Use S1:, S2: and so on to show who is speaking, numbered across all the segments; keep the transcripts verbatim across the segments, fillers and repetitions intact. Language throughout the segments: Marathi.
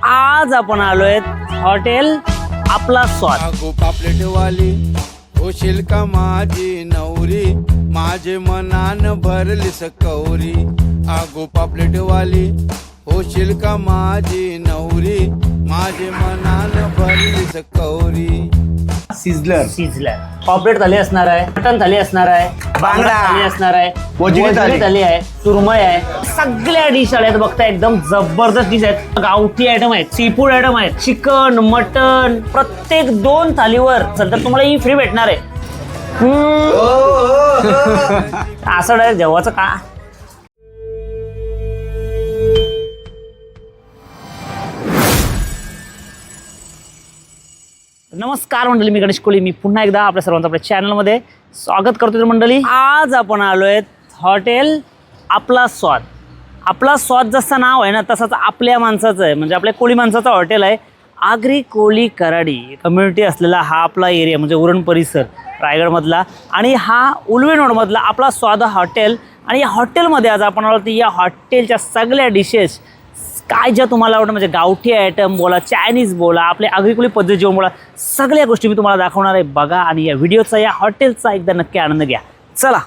S1: आज आपण आलोय हॉटेल आपला स्वाद.
S2: आगो पापलेटवाली होशील का माझी नवरी, माझे मनान भरली सकौरी. आगो पापलेटवाली होशील का माझी नवरी, माझे मनान भरली सकौरी.
S3: सिझलर
S1: सिझलर पॉपलेट थाली असणार आहे, मटन थाली असणार आहे, बांगडा थाली असणार आहे,
S3: वजडी थाली.
S1: थाली आहे, सुरमई आहे. सगळ्या डिश आल्या बघता, एकदम जबरदस्त डिश आहेत. गावठी आयटम आहेत, सी फूड आयटम आहेत, चिकन मटन. प्रत्येक दोन थालीवर तर तुम्हाला ही फ्री भेटणार आहे. हम्म. असं डायरेक्ट जेवायचं का. नमस्कार मंडळी, मी गणेश कोळी. मी पुन्हा एकदा आपल्या सर्वांचं आपल्या चॅनलमध्ये स्वागत करतो. मंडळी, आज आपण आलोय हॉटेल आपला स्वाद. आपला स्वाद जसं नाव आहे ना, तसंच आपल्या माणसाचं आहे, म्हणजे आपल्या कोळी माणसाचं हॉटेल आहे. आगरी कोळी कराडी कम्युनिटी असलेला हा आपला एरिया, म्हणजे उरण परिसर रायगडमधला, आणि हा उलवे रोडमधला आपला स्वाद हॉटेल. आणि या हॉटेलमध्ये आज आपण आलो, या हॉटेलच्या सगळ्या डिशेस काय ज्या तुम्हाला आवडतं, म्हणजे गावठी आयटम बोला, चायनीज बोला, आपल्या आगरीकोळी पद्धत जेवण बोला, सगळ्या गोष्टी मी तुम्हाला दाखवणार आहे. बघा आणि या व्हिडिओचा, या हॉटेलचा एकदा नक्की आनंद घ्या. चला.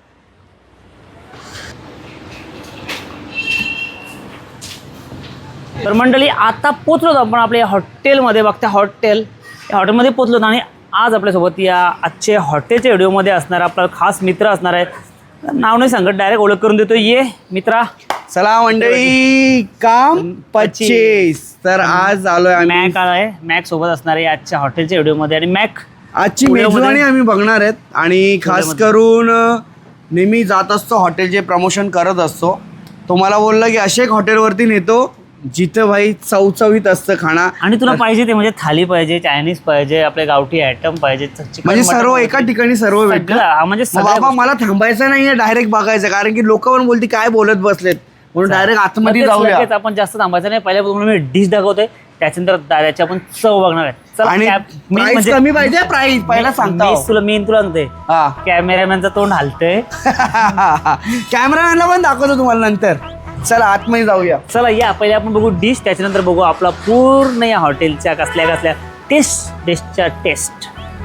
S1: तर मंडळी, आता पोचलो आपण आपल्या हॉटेलमध्ये. बघता हॉटेल, या हॉटेलमध्ये पोचलो आणि आज आपल्यासोबत या आजच्या हॉटेलच्या व्हिडिओमध्ये असणार आपला खास मित्र असणार आहे. नाव नाही सांगत, डायरेक्ट ओळख करून देतो. ये मित्रा.
S3: चला मंडळी, काम पच्चीस. तर आज आलोय आम्ही.
S1: मॅक आहे, मॅक सोबत असणार आहे आजच्या हॉटेलच्या व्हिडिओमध्ये. आणि मॅक
S3: आजची मेजवानी आम्ही बघणार आहेत. आणि खास करून नेहमी जात असतो, हॉटेलचे प्रमोशन करत असतो. तो मला बोलला की अशा एक हॉटेलवरती नेतो जिथं भाई चवचवीत असतं खाणं.
S1: आणि तुला पाहिजे ते, म्हणजे थाली पाहिजे, चायनीज पाहिजे, आपले गावठी आयटम पाहिजे,
S3: म्हणजे सर्व एका ठिकाणी सर्व भेटलं.
S1: हा, म्हणजे
S3: मग बाबा मला थांबायचं नाही, डायरेक्ट बघायचं. कारण की लोक पण बोलती काय बोलत बसलेत, म्हणून डायरेक्ट आतमध्ये जाऊया.
S1: लगेच आपण जास्त थांबायचं नाही. पहिल्या तुम्हाला मी डिश दाखवतोय, त्याच्यानंतर त्याची आपण चव बघणार आहे. चला.
S3: आणि
S1: कॅप- मी
S3: प्राइस
S1: म्हणजे-
S3: कमी पाहिजे, प्राइस पहिला सांगतो.
S1: मी तुला मेन तुला सांगते,
S3: हा.
S1: कॅमेरामॅनचं तोंड हलतंय.
S3: कॅमेरामॅनला पण दाखवतो तुम्हाला नंतर. चला आतमध्ये जाऊया.
S1: चला या, पहिले आपण बघू डिश, त्याच्यानंतर बघू आपला पूर्ण या हॉटेलच्या कसल्या कसल्या टेस्ट डिशच्या टेस्ट.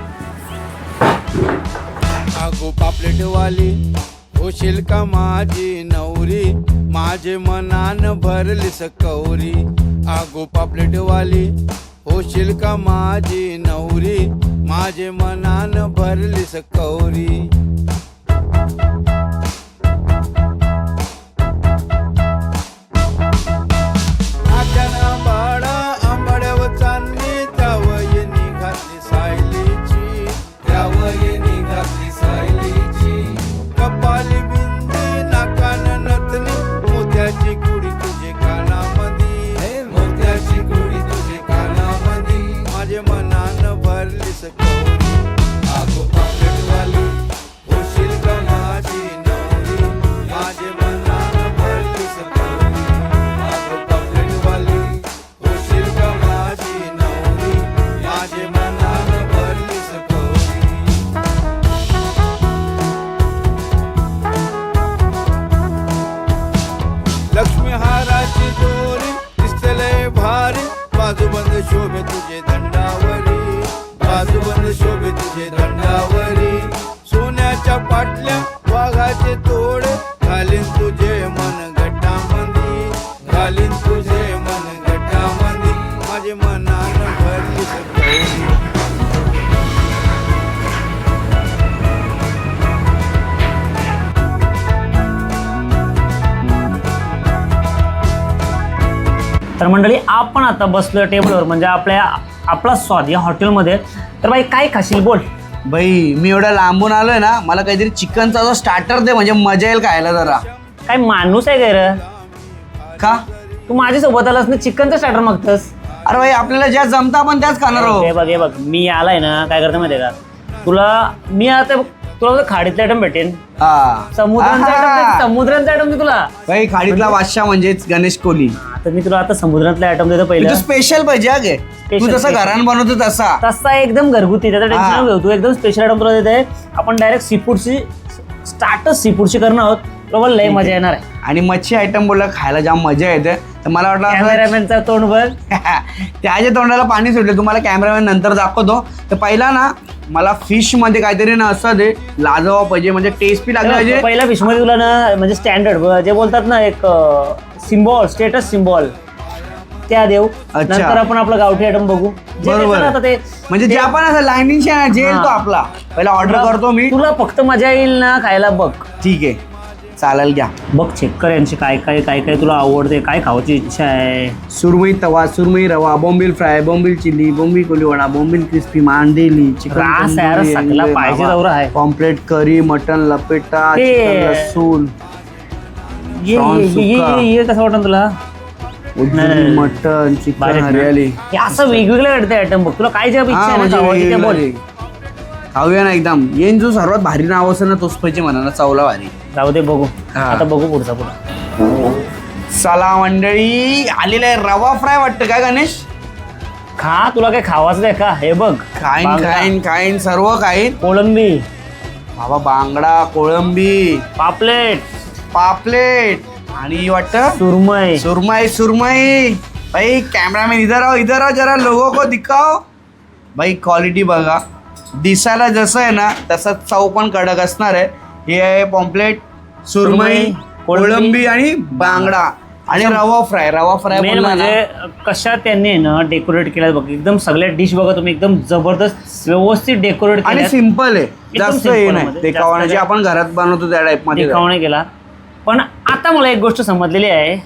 S2: आगो पापलेटवाली होशील का माझी नवरी, माझे मनान भरली सकौरी. आगो पापलेटवाली होशील का माझी नवरी, माझे मनान भरली सकौरी. आट्याना बाळा आंबाड्यावर चांदणी, त्यावयनी घातली सायलीची, त्यावयनी घातली सायलीची. कपाली बिंदी नाकान नथनी, मोत्याची कुडी तुझे कानामधी, मोत्याची कुडी तुझे कानामधी, माझे मनान भरली सकौरी. आगो पापलेटवाली होशील का माझी नवरी, माझे मनान भरली सकौरी. आगो पापलेटवाली होशील का माझी नवरी, माझे मनान भरली सकौरी. लक्ष्मी हाराची दोरी दिसतलय भारी, बाजूबंद शोभे तुझे दंडावरी, बाजूबंद शोभे तुझे दंडावरी. सोन्याच्या पाटल्या वाघाचे तोडे, घालीन तुझे मन गटामंदी, घालीन तुझे मन गटामंदी, माझे मनान भरली सकौरी.
S1: तर मंडळी, आपण आता बसलो टेबलवर, म्हणजे आपल्या आपला स्वाद या हॉटेलमध्ये. तर बाई काय खाशील बोल.
S3: भाई मी एवढा लांबून आलोय ना, मला काहीतरी चिकनचा जो स्टार्टर दे, म्हणजे मजा येईल खायला जरा.
S1: काय माणूस आहे काय रे,
S3: का?
S1: तू माझ्यासोबत आलास ना, चिकनचा स्टार्टर मागतस.
S3: अरे भाई आपल्याला ज्या जमता आपण त्याच खाणार
S1: हे
S3: आहोत.
S1: बघ हे बघ, मी आलाय ना, काय करतो माहितीये का तुला, मी आता तुला खाडीतला आयटम भेटेन,
S3: हा.
S1: समुद्रांचा
S3: आहा.
S1: आयटम, समुद्रांचा आयटम दे तुला.
S3: भाई खाडीतला बादशाह म्हणजेच गणेश कोहली.
S1: तर मी तुला आता समुद्रातला आयटम देतो पहिलं.
S3: स्पेशल पाहिजे हा गे. तू
S1: Special,
S3: जसं
S1: special.
S3: घरान बनवतो तसा.
S1: तसा एकदम घरगुती, त्याचा
S3: हा.
S1: टेन्शन घेऊ. तू एकदम स्पेशल आयटम तुला देते. आपण डायरेक्ट सी फूडची स्टार्टच सी फूडची करणार आहोत. बरोबर, लय मजा येणार आहे.
S3: आणि मच्छी आयटम बोलला खायला जाम मजा येते. तर मला वाटलं असं
S1: कॅमेरामॅनचा तोंड बघ.
S3: त्याच्या तोंडाला पाणी सुटले. तुम्हाला कॅमेरामॅन नंतर दाखवतो. तर पहिला ना मला फिश मध्ये काहीतरी ना असं दे लाजवाब पाहिजे, म्हणजे टेस्ट बी लागला पाहिजे.
S1: पहिल्या फिश मध्ये तुला ना म्हणजे स्टँडर्ड जे बोलतात ना एक सिम्बॉल, स्टेटस सिम्बॉल त्या देऊ.
S3: अच्छा.
S1: नंतर आपण आपलं गावठी आयटम बघू. जे
S3: बरोबर.
S1: देतं ना आता ते
S3: म्हणजे जे आपण असं लाईनिंग जेल तो आपला पहिला ऑर्डर करतो मी.
S1: तुला फक्त मजा येईल ना खायला बघ.
S3: ठीक आहे चालेल घ्या.
S1: बघ चेक कर यांची काय काय काय काय तुला आवडते, काय खावायची इच्छा आहे.
S3: सुरमई तवा, सुरमई रवा, बोंबील फ्राय, बोंबील चिल्ली, बोंबील कोलीवडा, बोंबील क्रिस्पी, मांदेली,
S1: रास यार, सगळा पाहिजे दौरा आहे.
S3: पॉम्प्लेट, करी, मटन, लपेटा,
S1: ते-
S3: चिकन लसूण,
S1: ये
S3: Prawn
S1: ये- ये
S3: सुक्का.
S1: ये- ये कसं वाटतं तुला?
S3: उज्जैन मटन, चिकन
S1: भारी ना?
S3: हरियाली.
S1: हे असं वेगवेगळं वाटतं आयटम बघ. तुला काय जे इच्छा
S3: हा,
S1: आहे ना
S3: म्हणजे
S1: खावायची ते बोल.
S3: वेगवेगळे. खाऊया ना एकदम. येईन जो सर्वात भारी नाव असेल ना तोच पाहिजे म्हणा ना, चवला भारी.
S1: जाऊ दे बघू.
S3: हा.
S1: आता बघू पुढचा पुढा.
S3: चला मंडळी आलेला आहे रवा फ्राय वाटतं काय गणेश?
S1: खा, तुला काय खावायचं आहे का? हे बघ
S3: खाईन
S1: बांगडा,
S3: खाईन खाईन सर्व खाईन.
S1: कोळंबी,
S3: बाबा बांगडा, कोळंबी,
S1: पापलेट,
S3: पापलेट आणि वाटतं
S1: सुरमई.
S3: सुरमई. सुरमई भाई कॅमेरामॅन इधर आओ, इधर आओ, जरा लोगों को दिखाओ. भाई क्वालिटी बघा. दिसायला जसं आहे ना तसं चव पण कडक असणार आहे. हे आहे पॉम्प्लेट, सुरमई,
S1: सुरमई, कोळंबी
S3: कोळंबी आणि बांगडा आणि रवा फ्राय. रवा फ्राय
S1: मेन म्हणजे कशा त्यांनी ना डेकोरेट केलं बघ. एकदम सगळ्या डिश बघा तुम्ही, एकदम जबरदस्त व्यवस्थित डेकोरेट
S3: आणि
S1: केलं.
S3: सिम्पल आहे, जास्त
S1: simple
S3: हे नाही
S1: मध्ये,
S3: ते
S1: जास्त
S3: खावणं जे
S1: काय-
S3: आपण घरात बनवतो त्या टाईप मध्ये.
S1: देखावणे केला. पण आता मला एक गोष्ट समजलेली आहे.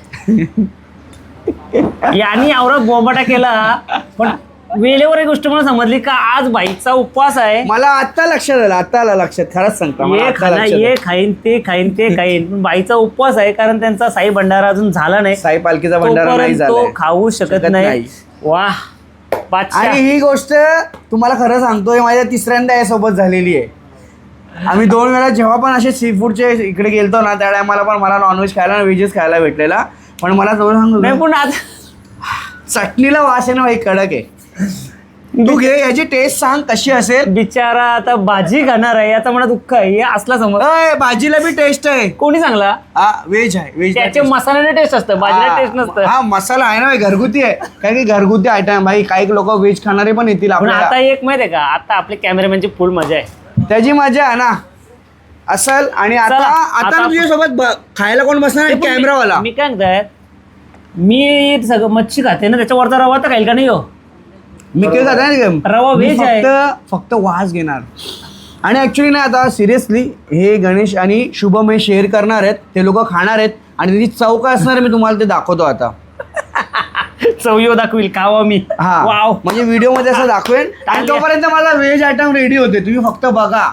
S1: यांनी आवरा बोंबाटा केला, पण वेळेवर एक गोष्ट मला समजली का आज बाईचा उपवास आहे.
S3: मला आता लक्षात आलं, आता आलं लक्षात. खरंच सांगतो मला
S1: ये
S3: आता
S1: खाना,
S3: लक्षात
S1: ये
S3: आलं.
S1: खाईन, ते खाईन, ते खाईन. पण बाईचा उपवास आहे कारण त्यांचा साई भंडारा अजून झाला नाही.
S3: साई पालखीचा भंडारा नाही
S1: तोपर्यंत
S3: झालाय.
S1: तो खाऊ शकत
S3: शकत
S1: नाही.
S3: नाही.
S1: वाह बादशाह.
S3: आणि ही गोष्ट तुम्हाला खरं सांगतोय माझ्या तिसऱ्यांदा यासोबत झालेली आहे. आम्ही दोन वेळा जेव्हा पण असे सी फूडचे इकडे गेलतो ना त्या टायमाला पण मला नॉनव्हेज खायला व्हेजच खायला भेटलेला. पण मला जवळ
S1: नाही
S3: सांगतो
S1: पण आज
S3: चटणीला वास आहे ना भाई कडक आहे. तू घे याची टेस्ट सांग कशी असेल.
S1: बिचारा आता भाजी खाणार आहे याचा मला दुःख आहे. हे असला समज
S3: अय भाजीला बी टेस्ट आहे.
S1: कोणी सांगला?
S3: हा व्हेज आहे, व्हेज
S1: त्याचे मसाल्याने टेस्ट असतं, भाजीला टेस्ट नसतं.
S3: हा मसाला आहे ना भाई, घरगुती आहे. काय की घरगुती आयटम भाई. काही लोक व्हेज खाणारे पण येतील
S1: पण
S3: आपल्याला.
S1: आता एक माहिती आहे का, आता आपले कॅमेरामॅनची फुल मजा आहे.
S3: त्याची मजा आहे ना असल. आणि आता
S1: चला,
S3: आता
S1: आता-
S3: तुझ्यासोबत खायला कोण बसणार?
S1: पण मी-
S3: कॅमेरावाला.
S1: मी काय म्हणताय, मी सगळं मच्छी खाते ना, त्याच्यावरचा रवा तर खाईल का नाही हो?
S3: मी काय करणार
S1: रवा व्हेज आहे.
S3: फक्त फक्त वास घेणार. आणि ऍक्च्युली ना आता सिरियसली हे गणेश आणि शुभम हे शेअर करणार आहेत. ते लोक खाणार आहेत आणि त्याची चव काय असणार आहे मी तुम्हाला ते दाखवतो आता.
S1: चवयो दाखवील खावा मी.
S3: हा
S1: वाव.
S3: म्हणजे व्हिडिओ मध्ये असं दाखवेन. आणि तोपर्यंत माझा व्हेज आयटम रेडी होते, तुम्ही फक्त बघा.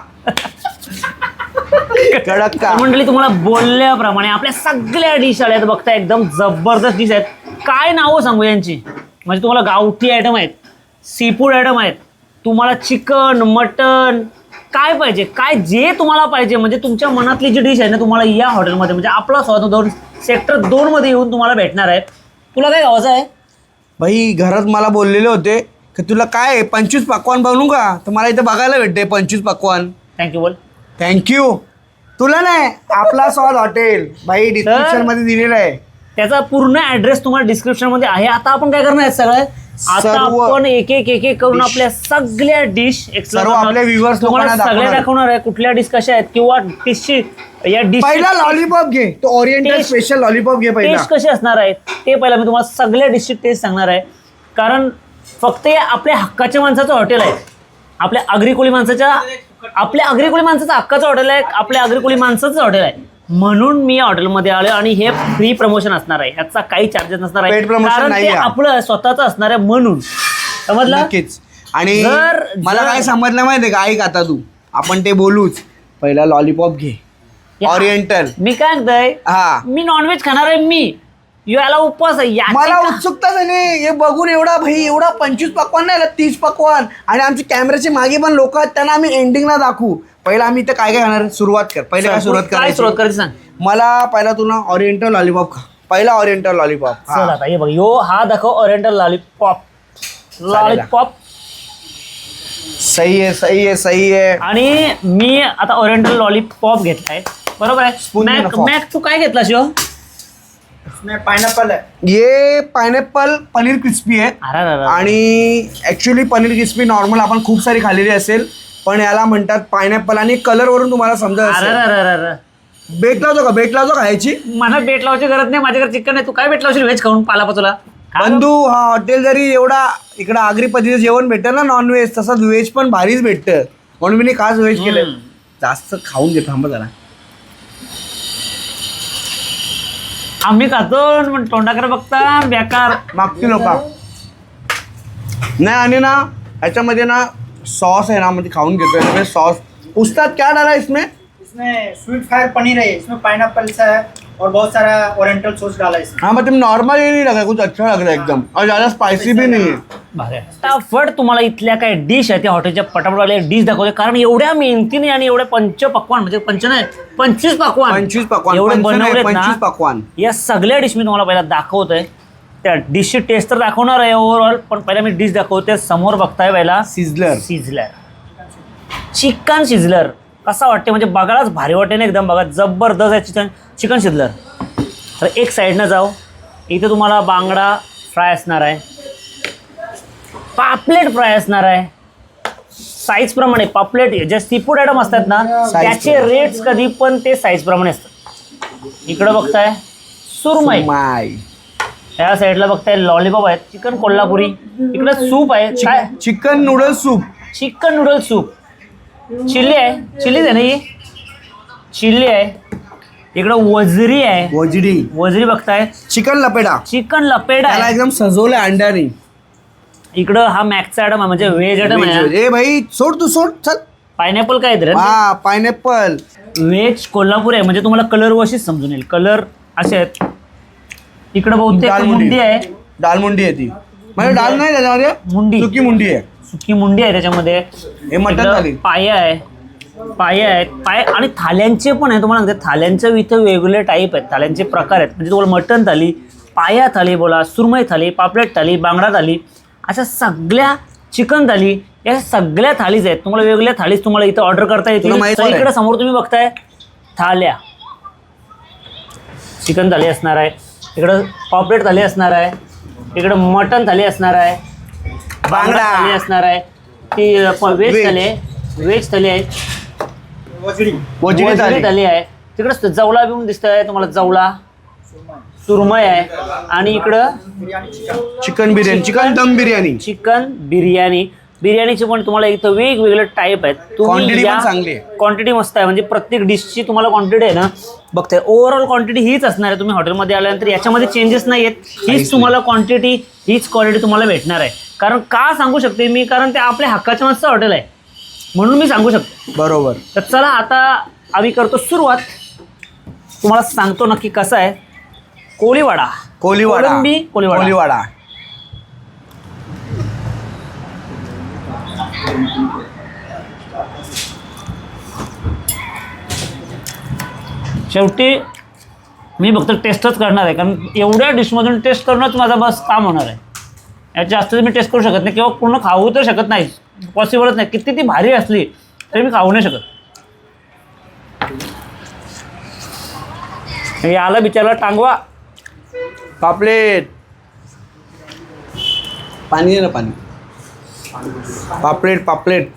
S3: कडक का
S1: मंडळी तुम्हाला बोलल्याप्रमाणे आपल्या सगळ्या डिश आल्यात बघता, एकदम जबरदस्त डिश आहेत. काय नावं सांगू यांची? म्हणजे तुम्हाला गावठी आयटम आहेत, सी फूड आयटम आहेत, तुम्हाला चिकन, मटन काय पाहिजे, काय जे तुम्हाला पाहिजे, म्हणजे तुमच्या मनातली जी डिश आहे ना तुम्हाला या हॉटेलमध्ये म्हणजे आपला स्वाद दोन सेक्टर दोन मध्ये येऊन तुम्हाला भेटणार आहे. तुला काय गावाचं आहे?
S3: भाई घरात मला बोललेले होते की तुला काय पंचवीस पकवान बनवू का, तर मला इथे बघायला भेटते पंचवीस पकवान.
S1: थँक्यू बोल.
S3: थँक्यू. तुला नाही, आपला स्वाद हॉटेल भाई डिस्क्रिप्शन मध्ये दिलेलं आहे.
S1: त्याचा पूर्ण ऍड्रेस तुम्हाला डिस्क्रिप्शन मध्ये आहे. आता आपण काय करणार आहे सगळं, आता
S3: सर्व
S1: आपण एक एक एक एक करून
S3: dish.
S1: आपल्या सगळ्या डिश
S3: सर्व आपल्या viewers
S1: तुम्हाला
S3: लोकांना
S1: सगळ्या
S3: दाखवणार.
S1: दाखवणार आहे कुठल्या डिश कशा आहेत किंवा डिशची या डिश
S3: पहिला लॉलीपॉप घे, तो ओरिएंटल
S1: Taste-
S3: स्पेशल लॉलीपॉप घे पहिला.
S1: टेस्ट कसे असणार आहेत ते पहिला मी तुम्हाला सगळ्या डिशची टेस्ट सांगणार आहे. कारण फक्त हे आपल्या हक्काच्या माणसाचं हॉटेल आहे, आपल्या आगरी-कोळी माणसाच्या आपल्या आगरी-कोळी माणसाचं हक्काचं हॉटेल आहे, आपल्या आगरी-कोळी माणसाचं हॉटेल आहे. म्हणून मी या हॉटेलमध्ये आलो आणि हे फ्री प्रमोशन असणार आहे, याचा काही चार्जेस नसणार आहे,
S3: Paid promotion
S1: कारण ते
S3: नाही आहे.
S1: आपलं स्वतःचं असणार आहे म्हणून. समजलं?
S3: नक्कीच. आणि
S1: जर-
S3: मला
S1: जर-
S3: काय समजलं माहितीये का, ऐक आता तू, आपण ते बोलूच. पहिला लॉलीपॉप घे
S1: या-
S3: ओरिएंटल.
S1: मी काय म्हणतोय,
S3: हा
S1: मी नॉनव्हेज खाणार आहे, मी याला उपवास आहे. याची
S3: मला
S1: का-
S3: उत्सुकता झाली हे बघून. एवढा भाई एवढा पंचवीस पकवान नाही, तीस पकवान. आणि आमच्या कॅमेऱ्याचे मागे पण लोक आहेत, त्यांना आम्ही एंडिंगला दाखवू. पहिला आम्ही इथं काय काय खाणार, सुरुवात कर. पहिले काय सुरुवात
S1: काय
S3: करायची?
S1: सुरुवात करायची सांग.
S3: मला पहिला तुला ओरिएंटल लॉलीपॉप खा. पहिला ओरिएंटल लॉलीपॉप.
S1: चल आता हे बघ, यो हा दाखव ओरिएंटल लॉलीपॉप. लॉलीपॉप
S3: सही आहे, सही आहे, सही आहे.
S1: आणि मी आता ओरिएंटल लॉलीपॉप घेतलाय, बरोबर आहे.
S3: Spoon
S1: मॅक
S3: नको.
S1: मॅक तू काय घेतला शिव?
S4: इसमें पाइनएप्पल है।
S3: ये पायनॅपल पनीर क्रिस्पी आहे
S1: अरे अरे अरे.
S3: आणि ॲक्च्युली पनीर क्रिस्पी नॉर्मल आपण खूप सारी खाल्लेली असेल, पण याला म्हणतात पायनॅपल. आणि कलरवरून तुम्हाला समजत
S1: अरे
S3: असेल.
S1: अरे अरे अरे.
S3: बेट लावतो का? बेट लावतो खायची?
S1: मला बेट लावायची गरज नाही, माझ्याकडे चिकन आहे. तू काय बेट लावशील व्हेज खाऊन पालापाचोला?
S3: बंधू, हा हॉटेल जरी एवढा इकडं आगरी पद्धतीचं जेवण भेटतं ना नॉनव्हेज, तसंच व्हेज पण भारीच भेटतं. म्हणून मी खास व्हेज केलं. जास्त खाऊन घे, थांबा जरा.
S1: आम्ही खातो पण तोंडाकडे बघता बेकार.
S3: मागची लोक नाही. आणि ना ह्याच्यामध्ये ना सॉस आहे ना, म्हणजे खाऊन घेतोय सॉस. उस्ताद क्या डाला इसमें?
S4: इसमें स्वीट फायर पनीर है, इसमें पाइनएप्पल है और बहुत सारा ओरिएंटल सॉस डाला है इसमें।
S3: हाँ मतलब नॉर्मल ये नहीं लगा, कुछ अच्छा लग रहा है एकदम, और ज़्यादा स्पाइसी भी नहीं है.
S1: फटाफट तुम्हाला इथल्या काय डिश आहे त्या हॉटेलच्या पटापटवाले डिश दाखवते, कारण एवढ्या मेहनतीने आणि एवढ्या पंच पक्वान म्हणजे पंच नाही पंचवीस पक्वान
S3: पंचवीस पकवान
S1: एवढे
S3: पंच नाही,
S1: बनवलेत
S3: पंचवीस
S1: ना.
S3: पकवान.
S1: या सगळ्या डिश मी तुम्हाला पहिला दाखवतोय. त्या डिशची टेस्ट तर दाखवणार आहे ओव्हरऑल, पण पहिला मी डिश दाखवते. समोर बघताय पहिला
S3: सिझलर.
S1: सिझलर चिकन सिझलर कसा वाटते म्हणजे बघायलाच भारी वाटते ना एकदम. बघा जबरदस्त आहे चिकन चिकन सिझलर. तर एक साईडनं जाऊ, इथे तुम्हाला बांगडा फ्राय असणार आहे, पापलेट फ्राय असणार आहे. साईज प्रमाणे पापलेट जे सी फूड आयटम असतात ना त्याचे रेट्स कधी पण ते साईज प्रमाणे असतात. इकडं बघताय सुरमई,
S3: माय
S1: त्या साईडला बघताय लॉलीपॉप आहेत, चिकन कोल्हापुरी. इकडं सूप आहे काय,
S3: chicken noodle soup.
S1: Chicken noodle soup. Chilli आहे, चिल्लीच आहे ना ही, चिल्ली आहे. इकडं वजरी आहे,
S3: वजडी.
S1: वजरी बघताय.
S3: चिकन लपेडा,
S1: चिकन लपेडा
S3: त्याला
S1: आहे.
S3: एकदम सजवलं अंड्यानी.
S1: इकडं हा मॅक्सचा आयटम आहे म्हणजे व्हेज आयटम आहे.
S3: ए भाई सोड, तू सोड, चल.
S1: पायनॅपल काय आहे
S3: हा पायनॅपल.
S1: व्हेज कोल्हापूर आहे म्हणजे तुम्हाला कलर वशीच समजून येईल. कलर असे आहेत. इकडं बहुतेक मुंडी आहे,
S3: दालमुंडी आहे ती, म्हणजे डाल नाही त्याच्यामध्ये,
S1: मुंडी
S3: सुकी मुंडी आहे.
S1: सुकी मुंडी आहे त्याच्यामध्ये.
S3: हे मटण
S1: इकडं
S3: थाली.
S1: पाय आहे, पाय आहेत पाय आणि थाल्यांचे पण आहे. तुम्हाला सांगते थाल्यांचे इथं वेगवेगळे टाईप आहेत, थाल्यांचे प्रकार आहेत. म्हणजे तुम्हाला मटण थाली, पाया थाली बोला, सुरमई थाली, पापलेट थाली, बांगडा थाली, अशा सगळ्या चिकन थाली, या सगळ्या थालीज आहेत. तुम्हाला वेगवेगळ्या थालीज तुम्हाला इथं ऑर्डर करता येतील. तर इकडे समोर तुम्ही बघताय थाल्या, चिकन थाली असणार आहे, इकडं पापलेट थाली असणार आहे, इकडं मटण थाली असणार आहे, बांगडा थाली असणार आहे, ती व्हेज थाली आहे, व्हेज थाली आहे,
S4: वजड़ी
S3: वजडी
S1: वजडी
S3: थाली.
S1: थाली आहे. तिकडं जवळा बिऊन दिसतंय तुम्हाला, जवळा सुरमई आहे. आणि इकडं
S4: biryani chicken
S3: chicken biryani, chicken dum biryani.
S1: Chicken biryani. बिर्याणीचे पण तुम्हाला इथं वेगवेगळे टाईप आहेत.
S3: Quantity पण चांगली आहे.
S1: क्वांटिटी मस्त आहे म्हणजे प्रत्येक डिशची तुम्हाला क्वांटिटी आहे ना बघताय. ओव्हरऑल क्वांटिटी हीच असणार आहे. तुम्ही हॉटेलमध्ये आल्यानंतर याच्यामध्ये चेंजेस नाही आहेत. हीच तुम्हाला क्वांटिटी, हीच क्वालिटी तुम्हाला भेटणार आहे. कारण का सांगू शकते मी, कारण ते आपल्या हक्काच्या मस्त हॉटेल आहे म्हणून मी सांगू शकतो.
S3: बरोबर.
S1: तर चला आता आम्ही करतो सुरुवात. तुम्हाला सांगतो नक्की कसं आहे. कोळीवाडा,
S3: कोलीवाडा,
S1: कोळंबी कोळीवाडा.
S3: कोलीवाडा.
S1: शेवटी मी फक्त टेस्टच करणार आहे, कारण एवढ्या डिशमधून टेस्ट करणंच माझा बस काम होणार आहे. याच्या जास्त मी टेस्ट करू शकत नाही किंवा पूर्ण खाऊ तर शकत नाही, पॉसिबलच नाही. किती ती भारी असली तरी मी खाऊ नाही शकत. याला बिचारला टांगवा.
S3: पापलेट, पाणी दे ना, पाणी. पापलेट पापलेट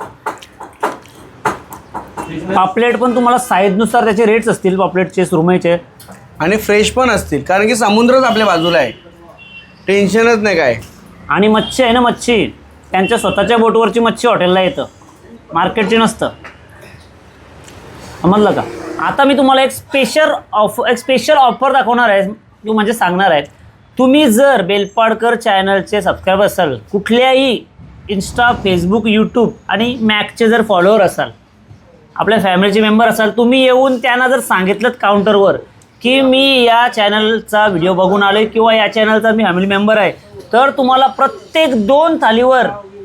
S1: पापलेट पण तुम्हाला साईजनुसार त्याचे रेट्स असतील पापलेटचे, सुरमईचे.
S3: आणि फ्रेश पण असतील, कारण की समुद्रच आपल्या बाजूला आहे, टेन्शनच नाही काय.
S1: आणि मच्छी आहे ना, मच्छी त्यांच्या स्वतःच्या बोटवरची मच्छी हॉटेलला येतं, मार्केटची नसतं. समजलं का. आता मी तुम्हाला एक स्पेशल ऑफ एक स्पेशल ऑफर दाखवणार आहे, की म्हणजे सांगणार आहे. तुम्ही जर बेलपाडकर चॅनलचे सबस्क्रायबर असाल, कुठल्याही इन्स्टा, फेसबुक, यूट्यूब आणि मॅकचे जर फॉलोअर असाल, आपल्या फॅमिलीचे मेंबर असाल, तुम्ही येऊन त्यांना जर सांगितलं काउंटरवर की मी या चॅनलचा व्हिडिओ बघून आलो किंवा या चॅनलचा मी फॅमिली मेंबर आहे, तर तुम्हाला प्रत्येक दोन थालीवर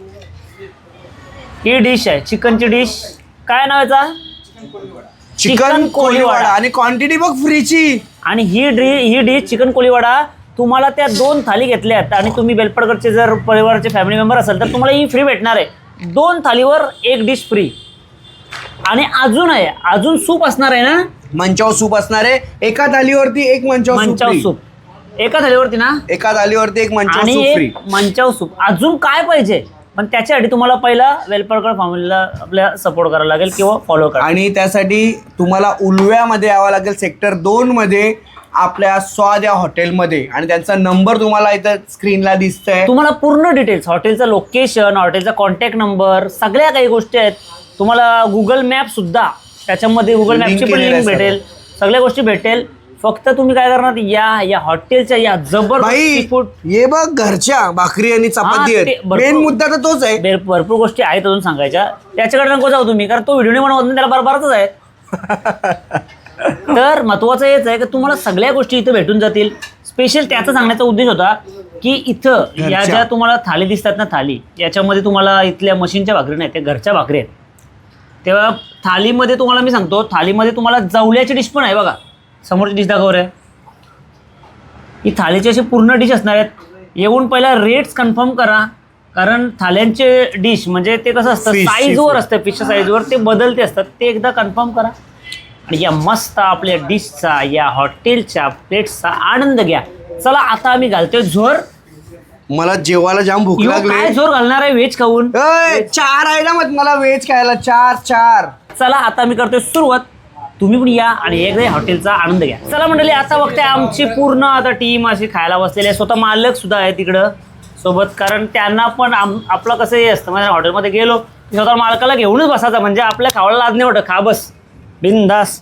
S1: ही डिश आहे, चिकनची डिश. काय नाव याचा?
S3: चिकन कोलीवाडा. आणि क्वांटिटी बघ फ्रीची.
S1: आणि ही डी ही डिश चिकन कोलीवाडा तुम्हाला त्या दोन थाली घेतल्यात आणि तुम्ही बेलपडकरचे जर परिवाराचे फॅमिली मेंबर असाल तर तुम्हाला ही फ्री भेटणार आहे. दोन थालीवर एक डिश फ्री. आणि अजून आहे, अजून सूप असणार आहे ना,
S3: मंचाव सूप असणार आहे. एका थालीवरती एक मंचाव
S1: मंचाव
S3: सूप.
S1: सूप. एका थालीवरती ना
S3: एका थालीवरती एक मंचाव
S1: आणि
S3: सूप फ्री.
S1: एक मंचाव सूप. अजून काय पाहिजे, पण त्याच्यासाठी तुम्हाला पहिला वेलपरकर फॅमिलीला आपल्या सपोर्ट करायला लागेल किंवा फॉलो करा.
S3: आणि त्यासाठी तुम्हाला उलव्यामध्ये यावं लागेल, सेक्टर दोन मध्ये आपल्या स्वाद या हॉटेलमध्ये. आणि त्यांचा नंबर तुम्हाला इथं स्क्रीनला दिसतंय.
S1: तुम्हाला पूर्ण डिटेल्स, हॉटेलचं लोकेशन, हॉटेलचा कॉन्टॅक्ट नंबर, सगळ्या काही गोष्टी आहेत. तुम्हाला गुगल मॅप सुद्धा त्याच्यामध्ये गुगल
S3: Link
S1: मॅपची पण
S3: केलेलं आहे
S1: लिंक भेटेल, सगळ्या गोष्टी भेटेल. फक्त तुम्ही काय करणार, या या हॉटेलच्या या जबरदस्त
S3: भाई
S1: सीफूड
S3: ये बघ घरच्या भाकरी आणि चपाती
S1: हा, ते
S3: आहेत.
S1: भरपूर-
S3: मेन मुद्दा तर तोच आहे.
S1: भर- भरपूर गोष्टी आहेत अजून सांगायच्या. त्याच्याकडे नको जाऊ तुम्ही, कारण तो व्हिडिओ नाही बनवत ना, त्याला बरोबरच आहे. तर महत्वाचं हेच आहे की तुम्हाला सगळ्या गोष्टी इथं भेटून जातील. स्पेशल त्याचा सांगण्याचा उद्देश होता की इथं या
S3: घरच्या.
S1: ज्या तुम्हाला थाली दिसतात ना, थाली याच्यामध्ये तुम्हाला इथल्या मशीनच्या भाकरी नाही, त्या घरच्या भाकरी आहेत. तेव्हा थालीमध्ये तुम्हाला मी सांगतो, थालीमध्ये तुम्हाला जवल्याची डिश पण आहे बघा. समोरची डिश दाखवर आहे ही थालीची अशी पूर्ण डिश असणार आहेत. येऊन पहिला रेट्स कन्फर्म करा, कारण थाल्यांचे डिश म्हणजे ते कसं असतं,
S3: Fish,
S1: साईजवर
S3: seafood.
S1: असतं, फिशच्या साईजवर ते बदलते असतात. ते एकदा कन्फर्म करा आणि या मस्त आपल्या डिशचा, या हॉटेलच्या प्लेट्सचा आनंद घ्या. चला आता आम्ही घालतोय झोर.
S3: मला जेवायला जाम भूक
S1: यो,
S3: लागली.
S1: काय झोर घालणार आहे व्हेज खाऊन.
S3: अय, चार आहे ना मग मला व्हेज खायला. चार चार
S1: चला आता मी करतोय सुरुवात. तुम्ही पण या आणि एकदा हॉटेलचा आनंद घ्या. चला मंडळी, आता बघते आमची पूर्ण आता टीम अशी खायला बसलेली आहे. स्वतः मालक सुद्धा आहे तिकडं सोबत, कारण त्यांना पण आम आपलं कसं हे असतं, म्हणजे हॉटेलमध्ये गेलो की स्वतः मालकाला घेऊनच बसायचं, म्हणजे आपल्या खावायला लाज नाही वाटत, खा बस बिनदास.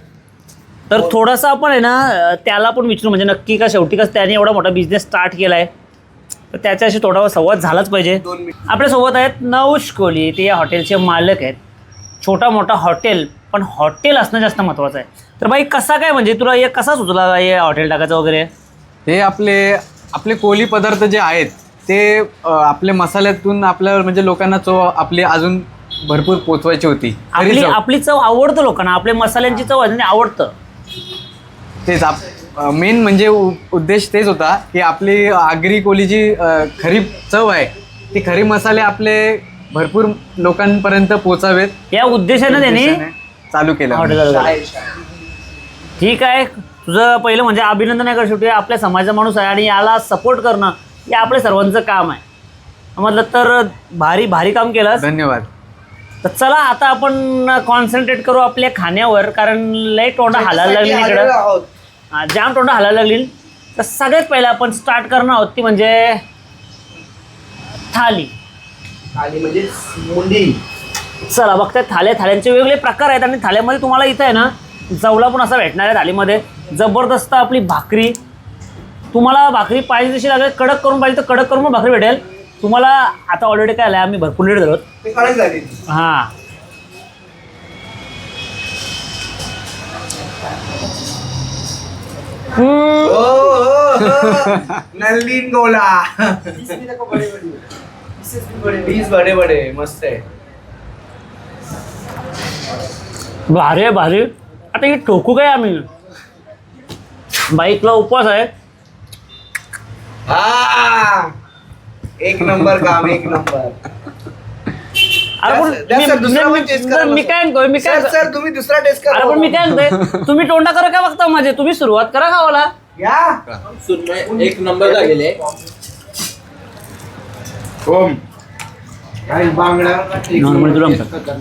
S1: तर थोडंसं आपण आहे ना त्याला पण विचारू, म्हणजे नक्की का शेवटी कसं त्याने एवढा मोठा बिझनेस स्टार्ट केला आहे, तर त्याच्याशी थोडा संवाद झालाच पाहिजे.
S3: दोन मिनिट.
S1: आपल्यासोबत आहेत नवश कोहली, ते या हॉटेलचे मालक आहेत. छोटा मोठा हॉटेल, पण हॉटेल असणं जास्त महत्त्वाचं आहे. तर बाई कसा काय, म्हणजे तुला हे कसा सुचला हे हॉटेल टाकायचं वगैरे?
S5: हे आपले आपले कोली पदार्थ जे आहेत ते अ, आपले मसाल्यातून आपल्या म्हणजे लोकांना चव आपली अजून भरपूर पोचवायची होती. खरी
S1: आपली
S5: चव.
S1: आपली चव आवडतं लोकांना, आपल्या मसाल्यांची चव आहे, आवडतं.
S5: तेच आप मेन म्हणजे उ- उद्देश तेच होता की आपली आगरी कोलीची अ, खरी चव आहे ती खरी मसाले आपले भरपूर लोकांपर्यंत पोचावेत.
S1: या उद्देशाने त्यांनी
S5: उद्देशाने चालू केलं.
S1: हॉटेल चालू केलं. ठीक आहे, तुझं पहिलं म्हणजे अभिनंदन आहे, शेवटी आपल्या समाजाचा माणूस आहे आणि याला सपोर्ट करणं हे आपल्या सर्वांचं काम आहे. म्हटलं तर भारी भारी काम केलंस.
S5: धन्यवाद.
S1: तर चला आता आपण कॉन्सन्ट्रेट करू आपल्या खाण्यावर, कारण लय तोंडा हालायला लागली
S3: आलेलो
S1: इकडं.
S3: आहोत.
S1: हा, जाम तोंडा हालायला लागली. तर सगळ्यात पहिलं आपण स्टार्ट करणार आहोत ती म्हणजे थाली.
S3: थाली म्हणजे मुंडी.
S1: चला बघताय, थाल्या थाल्यांचे वेगवेगळे प्रकार आहेत आणि थाल्यामध्ये तुम्हाला इथं आहे ना जवला पण असा भेटणार आहे. थालीमध्ये जबरदस्त आपली भाकरी, तुम्हाला भाकरी पाहिजे तशी लागेल, कडक करून पाहिजे तर कडक करून पण भाकरी भेटेल तुम्हाला. आता ऑलरेडी काय आलं, आम्ही भरपूर लेट झालो.
S3: ते कडक झाली.
S1: हां,
S3: ओ, ओ, ओ. नलिन गोला.
S4: इसमें देखो बड़े बड़े पीसेस भी बड़े बड़े।
S3: पीस बडे बडे मस्त आहे.
S1: भारी आहे भारी. आता हे ठोकू काय आम्ही, बाईकला उपवास आहे.
S3: हा, एक नंबर काम, एक नंबर.
S1: अरे पण
S3: द्या सर, दुसरा पण
S1: मी-
S3: टेस्ट
S1: मी-
S3: करा
S1: मी
S3: बस.
S1: काय म्हणतोय मी काय
S3: सर सर तुम्ही दुसरा टेस्ट करा.
S1: अरे पण मी काय म्हणतोय, तुम्ही तोंडा करा काय बघता माझे, तुम्ही सुरुवात करा खावाला.
S3: या
S6: एक नंबर लागेल
S3: ओम काही बांगडा
S1: नॉर्मल तुला म्हणतात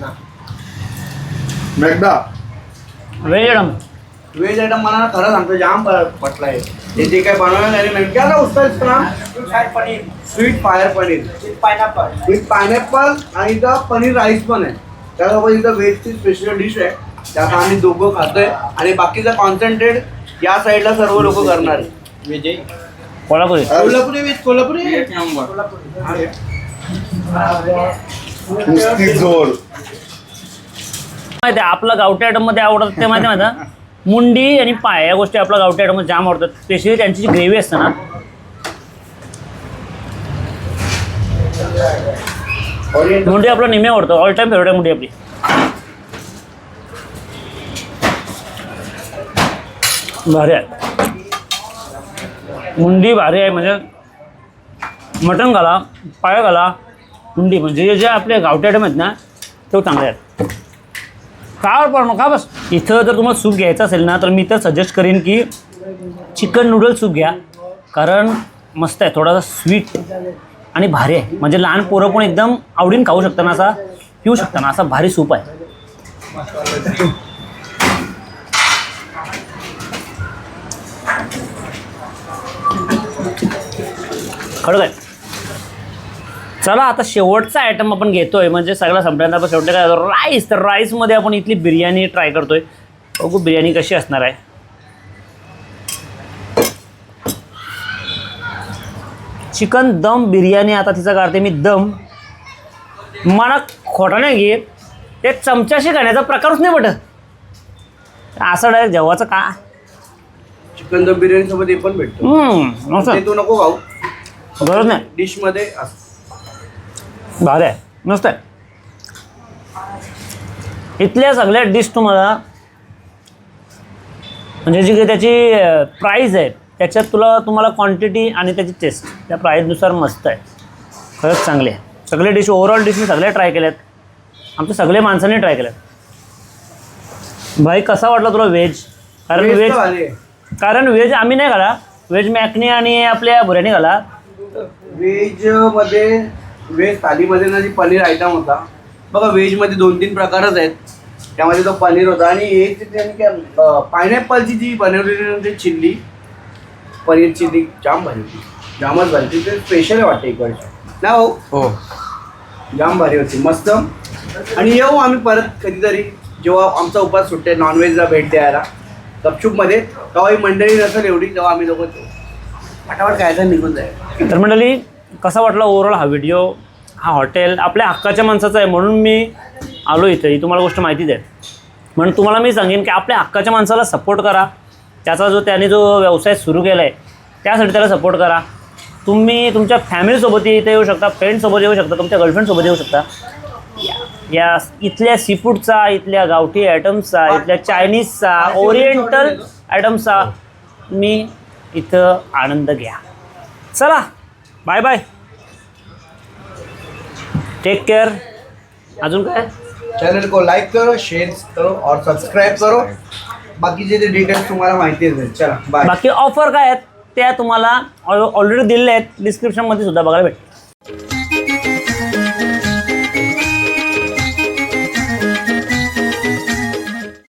S3: एकदा
S1: व्हेज मॅडम.
S3: व्हेज आयटम मला ना खरं सांगतो जाम प- पटलाय. ते जे काय बनवलं नाही नेमक्या ना उसका नाम
S4: sweet fire paneer
S3: sweet fire paneer
S4: with pineapple.
S3: With pineapple आणि इथं पनीर राईस पण आहे. त्यासोबत इथं व्हेजची स्पेशल डिश आहे, त्यात आम्ही दोघं खातोय आणि बाकीचा कॉन्सन्ट्रेट या साईडला सर्व लोक करणार आहे.
S6: विजय
S1: कोल्हापुरी
S3: कोल्हापुरी विथ कोल्हापुरी
S6: एक नंबर.
S3: जोर.
S1: माहिती आहे आपलं गावठी आयटम मध्ये आवडतात ते माहिती आहे माझा, मुंडी आणि पाय या गोष्टी आपल्या गावठी आयटम मध्ये जाम आवडतात. स्पेशली त्यांची जी ग्रेव्ही असते ना, मुंडी आपला नेहमी आवडतो. ऑल टाइम फेवरेट आहे मुंडी आपली. भारी आहे मुंडी, भारी आहे. म्हणजे मटण घाला, पाय घाला, मुंडी, म्हणजे जे आपले गावठी आयटम आहेत ना ते चांगले आहेत. काय पण का बस. इथं जर तुम्हाला सूप घ्यायचं असेल ना तर मी तर सजेस्ट करेन की चिकन नूडल सूप घ्या. कारण मस्त आहे, थोडासा स्वीट आणि भारी आहे. म्हणजे लहान पोरं पण एकदम आवडीन खाऊ शकता ना, असा पिऊ शकता ना, असा भारी सूप आहे. खरं काय. चला आता शेवटचा आयटम आपण घेतोय, म्हणजे सगळा संपल्यानंतर आपण शेवटी काय राईस. तर राईसमध्ये आपण इथली बिर्याणी ट्राय करतोय. बघू बिर्याणी कशी असणार आहे. चिकन दम बिर्याणी. आता तिचा काढते मी दम. मला खोटा नाही घे, ते चमच्याशी खाण्याचा प्रकारच नाही पटत. असं डायरेक्ट जेवाचं का.
S3: चिकन दम बिर्याणी सोबत हे पण भेटतो.
S1: हम्म, मस्त.
S3: ते तू नको खाऊ,
S1: गरज नाही.
S3: डिश मध्ये असं.
S1: भारी आहे, मस्त आहे. इथल्या सगळ्या डिश तुम्हाला म्हणजे जी काही त्याची प्राईज आहे त्याच्यात तुला तुम्हाला क्वांटिटी आणि त्याची टेस्ट त्या प्राईजनुसार मस्त आहे. खरंच चांगले आहे सगळे डिश. ओव्हरऑल डिश मी सगळे ट्राय केल्यात, आमच्या सगळे माणसांनी ट्राय केल्यात. भाई कसा वाटला तुला व्हेज. कारण
S3: Veg
S1: व्हेज
S3: तर भारी आहे.
S1: कारण व्हेज आम्ही नाही खाला. व्हेज मॅकनी आणि आपल्या बुऱ्यानी खाला.
S3: व्हेज मध्ये व्हेज थालीमध्ये ना जी पनीर आयटम होता बघा, व्हेज मध्ये दोन तीन प्रकारच आहेत. त्यामध्ये तो पनीर होता आणि एक त्यांनी काय पायनॅपलची जी बनवलेली चिल्ली पनीर चिल्ली जाम भारी होती. जामच भारी होती. ते स्पेशल वाटते एक वर्ष ना हो.
S5: हो
S3: जाम भारी होती, मस्त. आणि येऊ आम्ही परत कधीतरी जेव्हा आमचा उपास सुट्टे नॉनव्हेजला भेट द्यायला गपचूपमध्ये. तेव्हा ही मंडळी नसेल एवढी, तेव्हा आम्ही लोक फटाफट खायचं निघून जाईल.
S1: तर मंडळी कसा वाटला ओव्हरऑल हा व्हिडिओ. हा हॉटेल आपल्या हक्काच्या माणसाचा आहे म्हणून मी आलो इथे. ही तुम्हाला गोष्ट माहितीच आहे. म्हणून तुम्हाला मी सांगेन की आपल्या हक्काच्या माणसाला सपोर्ट करा. त्याचा जो त्याने जो व्यवसाय सुरू केला आहे त्यासाठी त्याला सपोर्ट करा. तुम्ही तुमच्या फॅमिलीसोबत इथे येऊ शकता, फ्रेंडसोबत येऊ शकता, तुमच्या गर्लफ्रेंडसोबत येऊ शकता. या इथल्या सीफूडचा, इथल्या गावठी आयटम्सचा, इथल्या चायनीजचा, ओरिएंटल आयटम्सचा मी इथं आनंद घ्या. चला बाय बाय, टेक केअर. अजून काय.
S3: चैनल को लाइक करो, शेयर करो और सब्सक्राइब करो. बाकीचे जे डिटेल्स तुम्हाला माहिती आहे. चला बाय.
S1: बाकी ऑफर काय आहेत त्या तुम्हाला ऑलरेडी दिलेल्या आहेत डिस्क्रिप्शनमध्ये सुद्धा बघायला भेटेल.